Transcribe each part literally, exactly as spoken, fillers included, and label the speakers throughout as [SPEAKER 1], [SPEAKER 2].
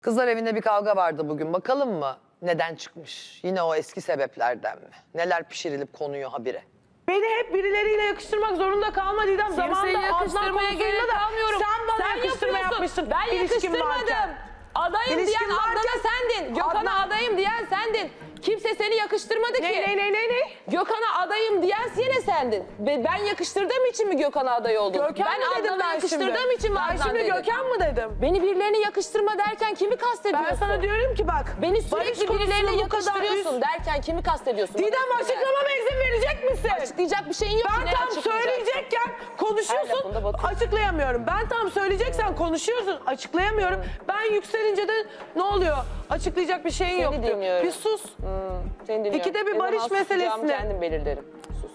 [SPEAKER 1] Kızlar evinde bir kavga vardı bugün. Bakalım mı neden çıkmış? Yine o eski sebeplerden mi? Neler pişirilip konuyor habire?
[SPEAKER 2] Beni hep birileriyle yakıştırmak zorunda kalma Didem.
[SPEAKER 3] Kimseyi
[SPEAKER 2] Zamanında
[SPEAKER 3] yakıştırmaya
[SPEAKER 2] Adnan
[SPEAKER 3] gerek
[SPEAKER 2] konusunda da
[SPEAKER 3] kalmıyorum.
[SPEAKER 2] sen bana
[SPEAKER 3] Sen
[SPEAKER 2] yakıştırma
[SPEAKER 3] yapıyorsun.
[SPEAKER 2] yapmışsın.
[SPEAKER 3] Ben
[SPEAKER 2] İlişkin
[SPEAKER 3] yakıştırmadım.
[SPEAKER 2] varken.
[SPEAKER 3] Adayım
[SPEAKER 2] İlişkin
[SPEAKER 3] diyen Adnan'a
[SPEAKER 2] varken
[SPEAKER 3] sendin. Gökhan'a
[SPEAKER 2] Adnan-
[SPEAKER 3] adayım diyen sendin. Kimse seni yakıştırmadı ki.
[SPEAKER 2] Ne ne ne ne ne?
[SPEAKER 3] Gökhan'a adayım diyen yine sendin. Ve ben yakıştırdığım için mi Gökhan'a aday oldun?
[SPEAKER 2] Gökhan
[SPEAKER 3] ben
[SPEAKER 2] mı dedim
[SPEAKER 3] Adnan'a
[SPEAKER 2] ben şimdi?
[SPEAKER 3] yakıştırdığım için mi
[SPEAKER 2] Ben
[SPEAKER 3] Adnan
[SPEAKER 2] şimdi
[SPEAKER 3] dedim?
[SPEAKER 2] Gökhan mı dedim?
[SPEAKER 3] Beni birilerine yakıştırma derken kimi kastediyorsun?
[SPEAKER 2] Ben sana diyorum ki bak.
[SPEAKER 3] Beni
[SPEAKER 2] barış
[SPEAKER 3] sürekli
[SPEAKER 2] konusunu
[SPEAKER 3] birilerine
[SPEAKER 2] bu kadar
[SPEAKER 3] yakıştırıyorsun
[SPEAKER 2] üst-
[SPEAKER 3] derken kimi kastediyorsun?
[SPEAKER 2] Didem
[SPEAKER 3] Bana söyle.
[SPEAKER 2] açıklamama izin verecek misin?
[SPEAKER 3] Açıklayacak bir şeyin yok ki.
[SPEAKER 2] Ben
[SPEAKER 3] ne
[SPEAKER 2] tam
[SPEAKER 3] açıklayacaksın?
[SPEAKER 2] söyleyecekken
[SPEAKER 3] Her
[SPEAKER 2] konuşuyorsun,
[SPEAKER 3] lafında batıyorsun.
[SPEAKER 2] açıklayamıyorum. Ben tam söyleyeceksen konuşuyorsun, açıklayamıyorum. Ben yükselince de ne oluyor? Açıklayacak bir şeyin
[SPEAKER 3] Seni
[SPEAKER 2] yok diyor.
[SPEAKER 3] dinliyorum.
[SPEAKER 2] Bir sus.
[SPEAKER 3] Seni dinliyorum.
[SPEAKER 2] İkide bir
[SPEAKER 3] Ne
[SPEAKER 2] barış
[SPEAKER 3] zaman susacağımı
[SPEAKER 2] meselesini-
[SPEAKER 3] kendim belirlerim. Sus.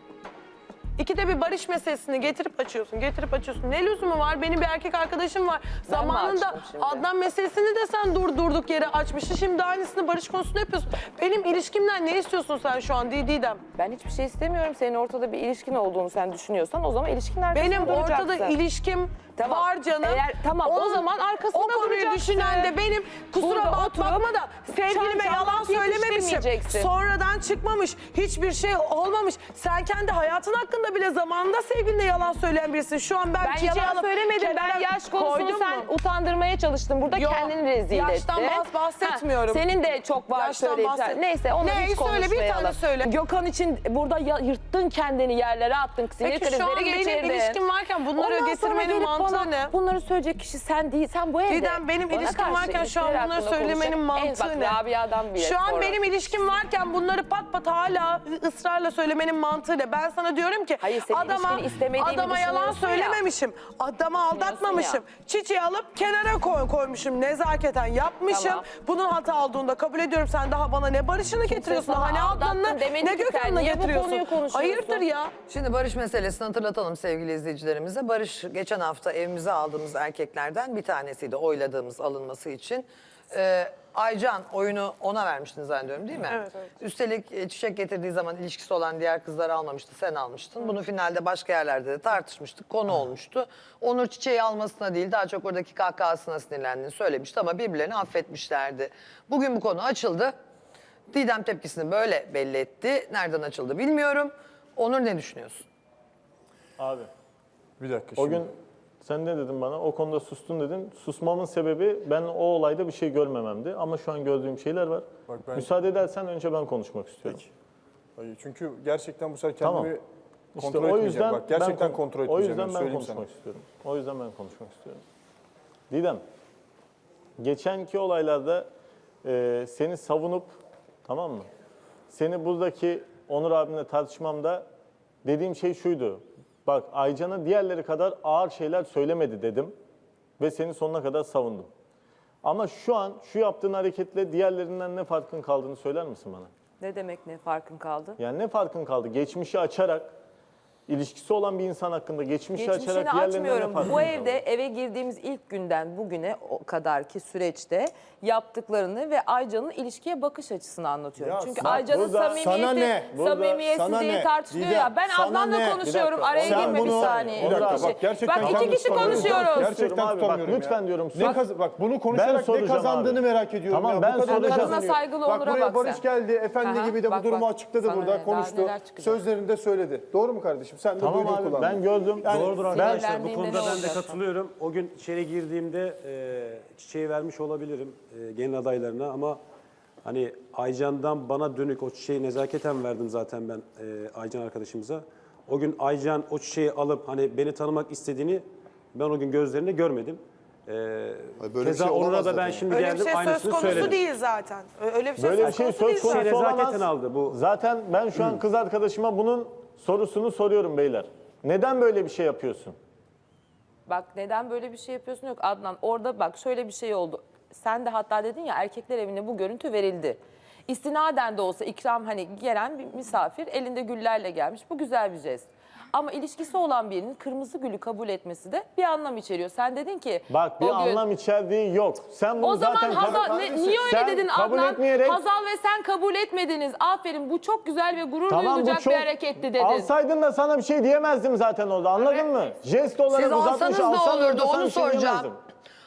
[SPEAKER 2] İkide bir barış meselesini getirip açıyorsun, getirip açıyorsun. Ne lüzumu var? Benim bir erkek arkadaşım var.
[SPEAKER 3] Ben mi
[SPEAKER 2] Zamanında
[SPEAKER 3] açtım şimdi?
[SPEAKER 2] Adnan meselesini de sen dur durduk yere açmıştın. Şimdi aynısını barış konusunda yapıyorsun. Benim ilişkimden ne istiyorsun sen şu an Didem?
[SPEAKER 3] Ben hiçbir şey istemiyorum. Senin ortada bir ilişkin olduğunu sen düşünüyorsan o zaman ilişkinin arkasında
[SPEAKER 2] Benim
[SPEAKER 3] duracaksın.
[SPEAKER 2] ortada ilişkim
[SPEAKER 3] Tamam.
[SPEAKER 2] var canım.
[SPEAKER 3] Eğer- tamam, o zaman arkasında
[SPEAKER 2] O konuyu
[SPEAKER 3] duracaksın.
[SPEAKER 2] düşünen de benim. Kusura
[SPEAKER 3] Burada
[SPEAKER 2] bak,
[SPEAKER 3] oturup
[SPEAKER 2] bakma da sevgilime
[SPEAKER 3] çam
[SPEAKER 2] yalan
[SPEAKER 3] çam
[SPEAKER 2] söylememişim.
[SPEAKER 3] yetiştirmeyeceksin.
[SPEAKER 2] Sonradan çıkmamış. Hiçbir şey olmamış. Sen kendi hayatın hakkında bile zamanında sevgiline yalan söyleyen birisin. Şu an ben,
[SPEAKER 3] Ben
[SPEAKER 2] çiçeği
[SPEAKER 3] yalan
[SPEAKER 2] alıp
[SPEAKER 3] söylemedim. Ben
[SPEAKER 2] kenara
[SPEAKER 3] yaş konusunu
[SPEAKER 2] koydum
[SPEAKER 3] sen
[SPEAKER 2] mu?
[SPEAKER 3] utandırmaya çalıştın. Burada
[SPEAKER 2] Yok,
[SPEAKER 3] kendini rezil
[SPEAKER 2] yaştan
[SPEAKER 3] ettin.
[SPEAKER 2] bahs- bahsetmiyorum.
[SPEAKER 3] Ha, senin de çok var
[SPEAKER 2] Yaştan
[SPEAKER 3] söyleyip.
[SPEAKER 2] bahset-
[SPEAKER 3] Neyse onu
[SPEAKER 2] Ne?
[SPEAKER 3] hiç
[SPEAKER 2] Söyle, bir
[SPEAKER 3] konuşmayalım.
[SPEAKER 2] tane söyle.
[SPEAKER 3] Gökhan için burada ya- yırttın kendini yerlere attın. Sinir
[SPEAKER 2] Peki şu
[SPEAKER 3] krizleri
[SPEAKER 2] an benim
[SPEAKER 3] geçirdin.
[SPEAKER 2] ilişkim varken bunları
[SPEAKER 3] Ondan sonra
[SPEAKER 2] getirmenin
[SPEAKER 3] gelip
[SPEAKER 2] mantığı
[SPEAKER 3] bana
[SPEAKER 2] ne?
[SPEAKER 3] Bunları söyleyecek kişi sen değil. Sen bu evde.
[SPEAKER 2] Didem benim
[SPEAKER 3] bana
[SPEAKER 2] ilişkim
[SPEAKER 3] karşı
[SPEAKER 2] varken şu an
[SPEAKER 3] ilişkiler
[SPEAKER 2] bunları
[SPEAKER 3] hakkında
[SPEAKER 2] söylemenin
[SPEAKER 3] konuşacak.
[SPEAKER 2] mantığı
[SPEAKER 3] Eh,
[SPEAKER 2] ne?
[SPEAKER 3] Bak Rabia'dan bile
[SPEAKER 2] Şu an
[SPEAKER 3] sonra.
[SPEAKER 2] benim ilişkim varken bunları pat pat hala ısrarla söylemenin mantığı ne? Ben sana diyorum ki
[SPEAKER 3] Hayır, senin
[SPEAKER 2] adama,
[SPEAKER 3] ilişkini istemediğimi
[SPEAKER 2] adama yalan
[SPEAKER 3] düşünüyorsun ya.
[SPEAKER 2] söylememişim. Adama aldatmamışım. Çiçeği alıp kenara koy, koymuşum. Nezaketen yapmışım.
[SPEAKER 3] Tamam.
[SPEAKER 2] Bunun hata olduğunu da kabul ediyorum. Sen daha bana ne barışını getiriyorsun,
[SPEAKER 3] sana
[SPEAKER 2] daha ne
[SPEAKER 3] aldattın
[SPEAKER 2] Adnan'ını,
[SPEAKER 3] demedi
[SPEAKER 2] ne
[SPEAKER 3] ki sen.
[SPEAKER 2] Gökhan'ını
[SPEAKER 3] Niye bu
[SPEAKER 2] getiriyorsun.
[SPEAKER 3] konuyu konuşuyorsun?
[SPEAKER 2] Hayırdır ya?
[SPEAKER 1] Şimdi Barış meselesini hatırlatalım sevgili izleyicilerimize. Barış geçen hafta evimize aldığımız erkeklerden bir tanesiydi oyladığımız alınması için. Ee, Aycan oyunu ona vermiştin zannediyorum değil mi?
[SPEAKER 2] Evet, evet.
[SPEAKER 1] Üstelik e, çiçek getirdiği zaman ilişkisi olan diğer kızlar almamıştı, sen almıştın. Bunu finalde başka yerlerde de tartışmıştık, konu olmuştu. Onur çiçeği almasına değil, daha çok oradaki kahkahasına sinirlendiğini söylemişti ama birbirlerini affetmişlerdi. Bugün bu konu açıldı. Didem tepkisini böyle belli etti. Nereden açıldı bilmiyorum. Onur ne düşünüyorsun?
[SPEAKER 4] Abi
[SPEAKER 5] Bir dakika
[SPEAKER 4] o
[SPEAKER 5] şimdi.
[SPEAKER 4] gün sen ne dedin bana? O konuda sustun dedin. Susmamın sebebi ben o olayda bir şey görmememdi. Ama şu an gördüğüm şeyler var.
[SPEAKER 5] Bak ben-
[SPEAKER 4] Müsaade edersen önce ben konuşmak istiyorum.
[SPEAKER 5] Peki. Hayır, çünkü gerçekten bu sefer
[SPEAKER 4] Tamam.
[SPEAKER 5] kendimi
[SPEAKER 4] İşte
[SPEAKER 5] kontrol
[SPEAKER 4] o
[SPEAKER 5] etmeyeceğim.
[SPEAKER 4] yüzden
[SPEAKER 5] Bak gerçekten
[SPEAKER 4] ben,
[SPEAKER 5] kontrol
[SPEAKER 4] O
[SPEAKER 5] etmeyeceğim.
[SPEAKER 4] yüzden
[SPEAKER 5] ben
[SPEAKER 4] ben
[SPEAKER 5] söyleyeyim
[SPEAKER 4] konuşmak
[SPEAKER 5] sana.
[SPEAKER 4] istiyorum. O yüzden ben konuşmak istiyorum. Didem, geçenki olaylarda e, seni savunup, tamam mı? Seni buradaki Onur abimle tartışmamda dediğim şey şuydu. Bak Aycan'a diğerleri kadar ağır şeyler söylemedi dedim ve seni sonuna kadar savundum. Ama şu an şu yaptığın hareketle diğerlerinden ne farkın kaldığını söyler misin bana?
[SPEAKER 3] Ne demek ne farkın kaldı?
[SPEAKER 4] Yani ne farkın kaldı? Geçmişi açarak, ilişkisi olan bir insan hakkında geçmişi
[SPEAKER 3] Geçmişini
[SPEAKER 4] açarak diğerlerinden ne
[SPEAKER 3] açmıyorum.
[SPEAKER 4] farkın
[SPEAKER 3] Bu
[SPEAKER 4] kaldı?
[SPEAKER 3] evde eve girdiğimiz ilk günden bugüne o kadarki süreçte yaptıklarını ve Aycan'ın ilişkiye bakış açısını anlatıyorum.
[SPEAKER 5] Ya
[SPEAKER 3] Çünkü
[SPEAKER 5] bak
[SPEAKER 3] Aycan'ın
[SPEAKER 4] burada-
[SPEAKER 3] samimiyeti,
[SPEAKER 5] sana ne?
[SPEAKER 4] Burada-
[SPEAKER 3] samimiyetsizliği
[SPEAKER 5] sana ne?
[SPEAKER 3] tartışılıyor
[SPEAKER 5] Didem,
[SPEAKER 3] ya. Ben
[SPEAKER 5] sana
[SPEAKER 3] Adnan'la
[SPEAKER 5] ne?
[SPEAKER 3] konuşuyorum.
[SPEAKER 4] Bir dakika,
[SPEAKER 3] Araya
[SPEAKER 5] sen
[SPEAKER 3] girme bir
[SPEAKER 5] bunu-
[SPEAKER 3] saniye.
[SPEAKER 5] Bir dakika,
[SPEAKER 4] Onur
[SPEAKER 5] bak
[SPEAKER 4] abi.
[SPEAKER 5] gerçekten
[SPEAKER 3] Bak iki
[SPEAKER 5] kendimi
[SPEAKER 3] kişi
[SPEAKER 5] tutamıyorum.
[SPEAKER 3] konuşuyoruz.
[SPEAKER 5] Gerçekten
[SPEAKER 4] Abi, bak,
[SPEAKER 5] tutamıyorum ya.
[SPEAKER 4] lütfen diyorum,
[SPEAKER 5] Ne
[SPEAKER 4] sus.
[SPEAKER 5] kaz- bak bunu
[SPEAKER 4] Ben
[SPEAKER 5] konuşarak ne
[SPEAKER 4] soracağım
[SPEAKER 5] kazandığını
[SPEAKER 4] abi.
[SPEAKER 5] merak ediyorum
[SPEAKER 4] Tamam,
[SPEAKER 5] ya.
[SPEAKER 4] ben
[SPEAKER 5] Bu kadar
[SPEAKER 4] soracağım.
[SPEAKER 5] kazanıyor.
[SPEAKER 3] Kadına saygılı
[SPEAKER 5] Bak
[SPEAKER 3] Onur'a
[SPEAKER 5] buraya
[SPEAKER 3] bak
[SPEAKER 5] Barış
[SPEAKER 3] sen.
[SPEAKER 5] geldi, efendi
[SPEAKER 3] Aha,
[SPEAKER 5] gibi de bu
[SPEAKER 3] bak,
[SPEAKER 5] durumu
[SPEAKER 3] bak.
[SPEAKER 5] açıkladı
[SPEAKER 3] Sana
[SPEAKER 5] burada,
[SPEAKER 3] ne, daha
[SPEAKER 5] konuştu.
[SPEAKER 3] neler çıkacak?
[SPEAKER 5] Sözlerinde söyledi. Doğru mu kardeşim? Sen de
[SPEAKER 4] Tamam
[SPEAKER 5] duyduğu
[SPEAKER 4] abi,
[SPEAKER 5] kulağın.
[SPEAKER 4] ben gördüm.
[SPEAKER 5] Yani-
[SPEAKER 6] Doğrudur
[SPEAKER 4] Ben-
[SPEAKER 6] arkadaşlar. Bu
[SPEAKER 3] Sinirlendiğinde
[SPEAKER 6] konuda
[SPEAKER 3] ne
[SPEAKER 6] ben de
[SPEAKER 3] olacak?
[SPEAKER 6] katılıyorum. O gün içeri girdiğimde e, çiçeği vermiş olabilirim e, gelin adaylarına ama hani Aycan'dan bana dönük o çiçeği nezaketen verdim zaten ben e, Aycan arkadaşımıza. O gün Aycan o çiçeği alıp hani beni tanımak istediğini ben o gün gözlerinde görmedim. E,
[SPEAKER 5] Ay, böyle bir
[SPEAKER 6] keza
[SPEAKER 5] şey
[SPEAKER 6] Onur'a
[SPEAKER 5] olamaz
[SPEAKER 6] da
[SPEAKER 5] zaten
[SPEAKER 6] ben şimdi
[SPEAKER 2] Öyle bir
[SPEAKER 6] geldim
[SPEAKER 2] şey söz
[SPEAKER 6] aynısını
[SPEAKER 2] konusu
[SPEAKER 6] söyledim.
[SPEAKER 2] değil zaten. Öyle bir şey
[SPEAKER 4] Böyle bir
[SPEAKER 2] söz
[SPEAKER 4] şey
[SPEAKER 2] konusu
[SPEAKER 4] söz
[SPEAKER 2] değil
[SPEAKER 4] konusu
[SPEAKER 2] zaten.
[SPEAKER 6] Şey
[SPEAKER 4] olamaz.
[SPEAKER 6] nezaketen aldı bu.
[SPEAKER 4] Zaten ben şu an kız arkadaşıma bunun sorusunu soruyorum beyler. Neden böyle bir şey yapıyorsun?
[SPEAKER 3] Bak neden böyle bir şey yapıyorsun yok Adnan. Orada bak şöyle bir şey oldu. Sen de hatta dedin ya erkekler evine bu görüntü verildi. İstinaden de olsa ikram hani gelen bir misafir elinde güllerle gelmiş. Bu güzel bir jest. Ama ilişkisi olan birinin kırmızı gülü kabul etmesi de bir anlam içeriyor. Sen dedin ki
[SPEAKER 4] Bak bir
[SPEAKER 3] o gün-
[SPEAKER 4] anlam içerdiği yok. Sen bunu
[SPEAKER 3] O zaman
[SPEAKER 4] zaten
[SPEAKER 3] Hazal,
[SPEAKER 4] kabul-
[SPEAKER 3] ne- niye öyle
[SPEAKER 4] Sen
[SPEAKER 3] dedin
[SPEAKER 4] kabul
[SPEAKER 3] Adnan?
[SPEAKER 4] etmeyerek-
[SPEAKER 3] Hazal ve sen kabul etmediniz. Aferin bu çok güzel ve gurur
[SPEAKER 4] Tamam, bu
[SPEAKER 3] duyulacak
[SPEAKER 4] çok-
[SPEAKER 3] bir hareketti dedin.
[SPEAKER 4] Alsaydın da sana bir şey diyemezdim zaten orada, anladın mı? Jest olarak
[SPEAKER 1] Siz
[SPEAKER 4] uzatmış
[SPEAKER 1] alsanız da
[SPEAKER 4] alsan
[SPEAKER 1] olurdu,
[SPEAKER 4] orada sana
[SPEAKER 1] onu
[SPEAKER 4] bir şey
[SPEAKER 1] soracağım.
[SPEAKER 4] diyemezdim.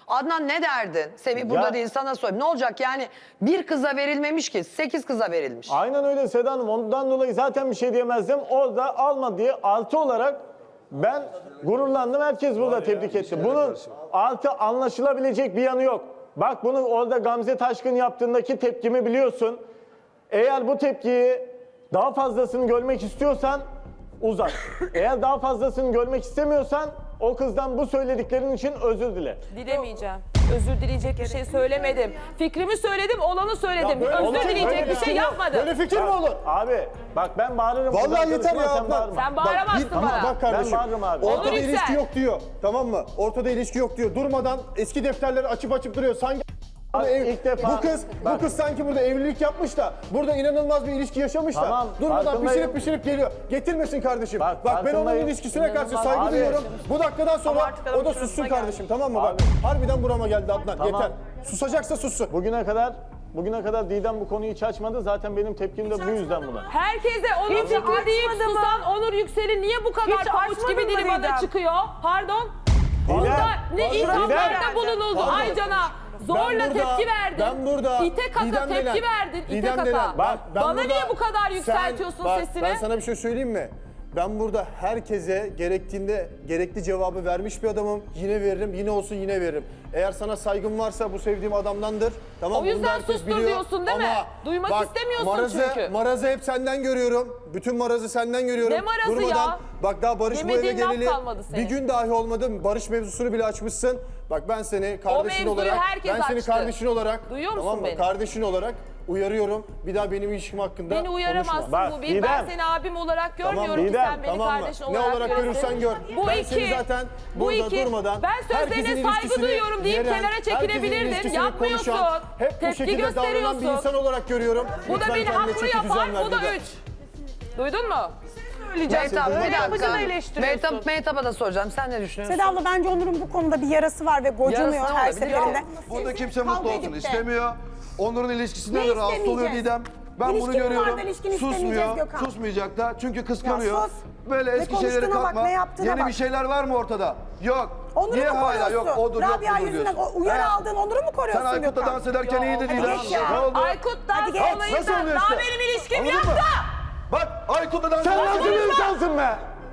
[SPEAKER 1] Adnan ne derdin? Semih burada
[SPEAKER 4] Ya-
[SPEAKER 1] değil, sana sorayım. Ne olacak yani bir kıza verilmemiş ki sekiz kıza verilmiş.
[SPEAKER 4] Aynen öyle Seda Hanım. Ondan dolayı zaten bir şey diyemezdim. Orada alma diye artı olarak ben gururlandım. Herkes burada tebrik etti. Bunun artı anlaşılabilecek bir yanı yok. Bak bunu orada Gamze Taşkın yaptığındaki tepkimi biliyorsun. Eğer bu tepkiyi daha fazlasını görmek istiyorsan uzat. Eğer daha fazlasını görmek istemiyorsan o kızdan bu söylediklerin için özür dile.
[SPEAKER 3] Dilemeyeceğim. Özür dileyecek bir şey söylemedim. Fikrimi söyledim, olanı söyledim.
[SPEAKER 5] böyle-
[SPEAKER 3] Özür
[SPEAKER 5] Olacak,
[SPEAKER 3] dileyecek
[SPEAKER 4] böyle
[SPEAKER 3] bir
[SPEAKER 4] bir
[SPEAKER 3] şey
[SPEAKER 4] şey yok.
[SPEAKER 3] yapmadım.
[SPEAKER 5] Böyle fikir mi olur?
[SPEAKER 4] Abi bak ben bağırırım.
[SPEAKER 5] Vallahi
[SPEAKER 4] Buradan
[SPEAKER 5] yeter
[SPEAKER 4] konuşma,
[SPEAKER 5] ya
[SPEAKER 4] sen
[SPEAKER 5] Adnan.
[SPEAKER 4] bağırma.
[SPEAKER 3] Sen bağıramazsın
[SPEAKER 5] Ama
[SPEAKER 3] bana.
[SPEAKER 5] bak kardeşim.
[SPEAKER 4] Ben bağırırım abi.
[SPEAKER 5] Ortada
[SPEAKER 3] Onur
[SPEAKER 5] ilişki
[SPEAKER 3] Yüksel.
[SPEAKER 5] yok diyor. Tamam mı? Ortada ilişki yok diyor. Durmadan eski defterleri açıp açıp duruyor. Sanki
[SPEAKER 4] Bak,
[SPEAKER 5] ev-
[SPEAKER 4] ilk defa-
[SPEAKER 5] bu kız
[SPEAKER 4] bak.
[SPEAKER 5] bu kız sanki burada evlilik yapmış da burada inanılmaz bir ilişki yaşamış da
[SPEAKER 4] Tamam,
[SPEAKER 5] durmadan
[SPEAKER 4] farkındayım.
[SPEAKER 5] pişirip pişirip geliyor. Getirmesin kardeşim.
[SPEAKER 4] Bak,
[SPEAKER 5] Bak, ben onun
[SPEAKER 4] farkındayım.
[SPEAKER 5] ilişkisine karşı
[SPEAKER 3] İnanılmaz.
[SPEAKER 5] saygı
[SPEAKER 4] Abi.
[SPEAKER 5] duyuyorum. Bu dakikadan sonra
[SPEAKER 2] artık adamın
[SPEAKER 5] o da
[SPEAKER 2] şurasına
[SPEAKER 5] sussun
[SPEAKER 2] geldi.
[SPEAKER 5] kardeşim, tamam mı? Bak
[SPEAKER 4] Abi.
[SPEAKER 5] harbiden burama geldi Adnan.
[SPEAKER 4] Tamam.
[SPEAKER 5] Yeter. Susacaksa sussun.
[SPEAKER 4] Bugüne kadar bugüne kadar Didem bu konuyu hiç açmadı. Zaten benim tepkim de bu yüzden buna.
[SPEAKER 3] Herkese onun
[SPEAKER 2] Hiç
[SPEAKER 3] fikri deyip
[SPEAKER 2] açmadı mı?
[SPEAKER 3] susan Onur Yüksel'i niye bu kadar
[SPEAKER 2] Hiç
[SPEAKER 3] pabuç
[SPEAKER 2] açmadı
[SPEAKER 3] gibi
[SPEAKER 2] mı
[SPEAKER 3] dili bana
[SPEAKER 2] Didem?
[SPEAKER 3] çıkıyor? Pardon?
[SPEAKER 4] Didem.
[SPEAKER 3] Bunda ne
[SPEAKER 5] Didem.
[SPEAKER 3] ithamlarda bulunuldu
[SPEAKER 5] Pardon.
[SPEAKER 3] Aycan'a? Zorla
[SPEAKER 5] Ben burada-
[SPEAKER 3] tepki verdin.
[SPEAKER 5] ben burada
[SPEAKER 3] İte kaka
[SPEAKER 5] Didem
[SPEAKER 3] tepki
[SPEAKER 5] denen-
[SPEAKER 3] verdin. İte
[SPEAKER 5] Didem
[SPEAKER 3] kaka.
[SPEAKER 5] denen- bak, ben
[SPEAKER 3] Bana
[SPEAKER 5] burada-
[SPEAKER 3] niye bu kadar
[SPEAKER 5] Sen-
[SPEAKER 3] yükseltiyorsun
[SPEAKER 5] bak,
[SPEAKER 3] sesini?
[SPEAKER 5] Ben sana bir şey söyleyeyim mi? Ben burada herkese gerektiğinde gerekli cevabı vermiş bir adamım. Yine veririm, yine olsun yine veririm. Eğer sana saygım varsa bu sevdiğim adamdandır. Tamam,
[SPEAKER 3] O yüzden
[SPEAKER 5] bunu da herkes
[SPEAKER 3] sustur
[SPEAKER 5] biliyor.
[SPEAKER 3] diyorsun değil mi?
[SPEAKER 5] Ama
[SPEAKER 3] Duymak
[SPEAKER 5] bak,
[SPEAKER 3] istemiyorsun
[SPEAKER 5] marazı,
[SPEAKER 3] çünkü.
[SPEAKER 5] Marazı hep senden görüyorum. Bütün marazı senden görüyorum.
[SPEAKER 3] Ne marazı
[SPEAKER 5] Durmadan,
[SPEAKER 3] ya?
[SPEAKER 5] Bak daha Barış bu eve
[SPEAKER 3] Yemediğin laf
[SPEAKER 5] geleli
[SPEAKER 3] kalmadı senin.
[SPEAKER 5] bir gün dahi olmadı. Barış mevzusunu bile açmışsın. Bak ben seni kardeşin
[SPEAKER 3] mevzuyu
[SPEAKER 5] olarak,
[SPEAKER 3] herkes
[SPEAKER 5] ben seni
[SPEAKER 3] açtı.
[SPEAKER 5] kardeşin olarak,
[SPEAKER 3] Duyuyor musun
[SPEAKER 5] tamam mı?
[SPEAKER 3] beni?
[SPEAKER 5] Kardeşin olarak uyarıyorum. Bir daha benim ilişkim hakkında
[SPEAKER 3] Beni uyaramazsın
[SPEAKER 5] konuşma.
[SPEAKER 4] Bak,
[SPEAKER 3] bu bir. Ben
[SPEAKER 4] Didem.
[SPEAKER 3] seni abim olarak
[SPEAKER 5] Tamam,
[SPEAKER 3] görmüyorum ki
[SPEAKER 4] Didem,
[SPEAKER 3] sen beni
[SPEAKER 5] tamam mı?
[SPEAKER 3] kardeşin
[SPEAKER 5] Ne
[SPEAKER 3] olarak
[SPEAKER 5] olarak
[SPEAKER 3] görüyorsun.
[SPEAKER 5] görürsen gör.
[SPEAKER 3] Bu
[SPEAKER 5] Ben
[SPEAKER 3] iki,
[SPEAKER 5] seni zaten
[SPEAKER 3] bu
[SPEAKER 5] burada
[SPEAKER 3] iki.
[SPEAKER 5] durmadan
[SPEAKER 3] Ben
[SPEAKER 5] herkesin
[SPEAKER 3] sözlerine saygı
[SPEAKER 5] ilişkisini
[SPEAKER 3] duyuyorum deyip
[SPEAKER 5] yeren,
[SPEAKER 3] kenara
[SPEAKER 5] herkesin
[SPEAKER 3] çekilebilirdin.
[SPEAKER 5] ilişkisini
[SPEAKER 3] Yapmıyorsun.
[SPEAKER 5] konuşan, hep bu
[SPEAKER 3] Tepki
[SPEAKER 5] şekilde davranan bir
[SPEAKER 3] gösteriyorsun.
[SPEAKER 5] insan olarak görüyorum.
[SPEAKER 3] Bu da
[SPEAKER 5] Lütfen
[SPEAKER 3] beni
[SPEAKER 5] kendine
[SPEAKER 3] haklı
[SPEAKER 5] çeki
[SPEAKER 3] yapar,
[SPEAKER 5] düzen ver
[SPEAKER 3] bu da
[SPEAKER 5] Didem.
[SPEAKER 3] üç. Duydun mu?
[SPEAKER 1] Mehtap,
[SPEAKER 2] Öyle
[SPEAKER 1] bir
[SPEAKER 2] yapınca da
[SPEAKER 1] dakika.
[SPEAKER 2] eleştiriyorsun.
[SPEAKER 1] Mehtap, Mehtap'a da soracağım. Sen ne düşünüyorsun?
[SPEAKER 7] Seda abla bence Onur'un bu konuda bir yarası var ve gocunuyor
[SPEAKER 1] Yarası
[SPEAKER 7] her
[SPEAKER 1] olabilir.
[SPEAKER 7] seferinde.
[SPEAKER 8] Burada kimse
[SPEAKER 7] Kavga
[SPEAKER 8] mutlu olsun
[SPEAKER 7] edip de-
[SPEAKER 8] istemiyor. Onur'un ilişkisinden
[SPEAKER 7] Ne
[SPEAKER 8] de rahatsız oluyor
[SPEAKER 7] istemeyeceğiz?
[SPEAKER 8] Didem. Ben bunu
[SPEAKER 7] İlişkin
[SPEAKER 8] görüyorum.
[SPEAKER 7] vardır, ilişkini istemeyeceğiz
[SPEAKER 8] Susmuyor.
[SPEAKER 7] Gökhan.
[SPEAKER 8] Susmayacak da çünkü kıskanıyor.
[SPEAKER 7] Ya sus.
[SPEAKER 8] Böyle
[SPEAKER 7] Ne
[SPEAKER 8] eski şeylere
[SPEAKER 7] konuştuğuna bak,
[SPEAKER 8] kalkma.
[SPEAKER 7] ne yaptığına
[SPEAKER 8] Yeni
[SPEAKER 7] bak.
[SPEAKER 8] bir şeyler var mı ortada? Yok.
[SPEAKER 7] Onur'u
[SPEAKER 8] Niye
[SPEAKER 7] mu
[SPEAKER 8] hala
[SPEAKER 7] koruyorsun?
[SPEAKER 8] yok odur yok
[SPEAKER 7] Rabia
[SPEAKER 8] budur
[SPEAKER 7] yüzünden
[SPEAKER 8] diyorsun?
[SPEAKER 7] o uyarı
[SPEAKER 8] He?
[SPEAKER 7] aldığın Onur'u mu koruyorsun
[SPEAKER 8] Sen Aykut'la
[SPEAKER 7] Gökhan?
[SPEAKER 8] dans ederken iyiydin
[SPEAKER 7] Hadi
[SPEAKER 8] Didem.
[SPEAKER 7] geç ya.
[SPEAKER 8] Ne oldu?
[SPEAKER 3] Aykut'tan
[SPEAKER 7] Hadi geç.
[SPEAKER 3] olayı
[SPEAKER 8] Nasıl
[SPEAKER 3] sen.
[SPEAKER 8] oluyor
[SPEAKER 3] Daha
[SPEAKER 8] işte?
[SPEAKER 3] benim ilişkim
[SPEAKER 8] Anladın
[SPEAKER 3] yok
[SPEAKER 8] mı?
[SPEAKER 3] da.
[SPEAKER 8] Bak Aykut'la dans
[SPEAKER 4] Sen
[SPEAKER 8] ederken...
[SPEAKER 4] nasıl bir insansın be?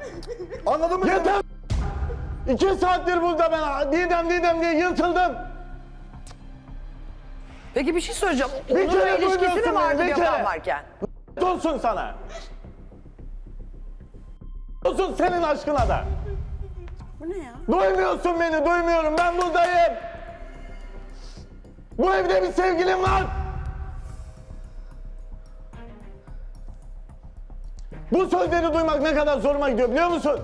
[SPEAKER 8] Anladın mı?
[SPEAKER 4] Yeter! İki saattir burada ben Didem Didem diye yırtıldım.
[SPEAKER 1] Peki bir şey söyleyeceğim.
[SPEAKER 4] Bir
[SPEAKER 1] Onur'la
[SPEAKER 4] kere
[SPEAKER 1] ilişkisi
[SPEAKER 4] duymuyorsun
[SPEAKER 1] mi vardı
[SPEAKER 4] beni, bir
[SPEAKER 1] Gökhan
[SPEAKER 4] kere.
[SPEAKER 1] varken?
[SPEAKER 4] Olsun sana. Olsun senin aşkına da.
[SPEAKER 7] Bu ne ya?
[SPEAKER 4] Duymuyorsun beni, duymuyorum. Ben buradayım. Bu evde bir sevgilim var. Bu sözleri duymak ne kadar zoruma gidiyor biliyor musun?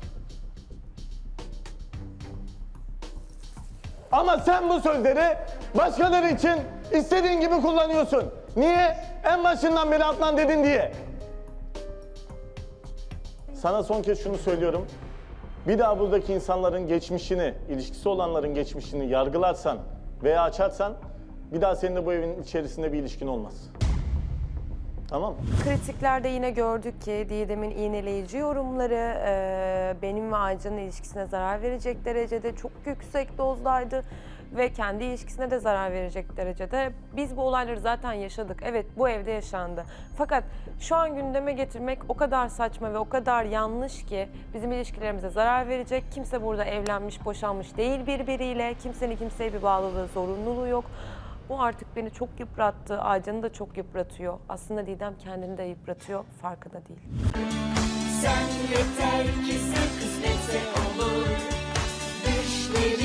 [SPEAKER 4] Ama sen bu sözleri başkaları için istediğin gibi kullanıyorsun. Niye? En başından beri Adnan dedin diye. Sana son kez şunu söylüyorum. Bir daha buradaki insanların geçmişini, ilişkisi olanların geçmişini yargılarsan veya açarsan bir daha seninle bu evin içerisinde bir ilişkin olmaz. Tamam mı?
[SPEAKER 9] Kritiklerde yine gördük ki Didem'in iğneleyici yorumları e, benim ve Aycan'ın ilişkisine zarar verecek derecede çok yüksek dozdaydı ve kendi ilişkisine de zarar verecek derecede. Biz bu olayları zaten yaşadık. Evet, bu evde yaşandı. Fakat şu an gündeme getirmek o kadar saçma ve o kadar yanlış ki bizim ilişkilerimize zarar verecek. Kimse burada evlenmiş, boşanmış değil birbiriyle. Kimsenin kimseye bir bağlılığı, zorunluluğu yok. Bu artık beni çok yıprattı, Aycan'ı da çok yıpratıyor. Aslında Didem kendini de yıpratıyor, farkında değil.
[SPEAKER 10] Sen yeter ki sen kısmetse olur. Düşlerin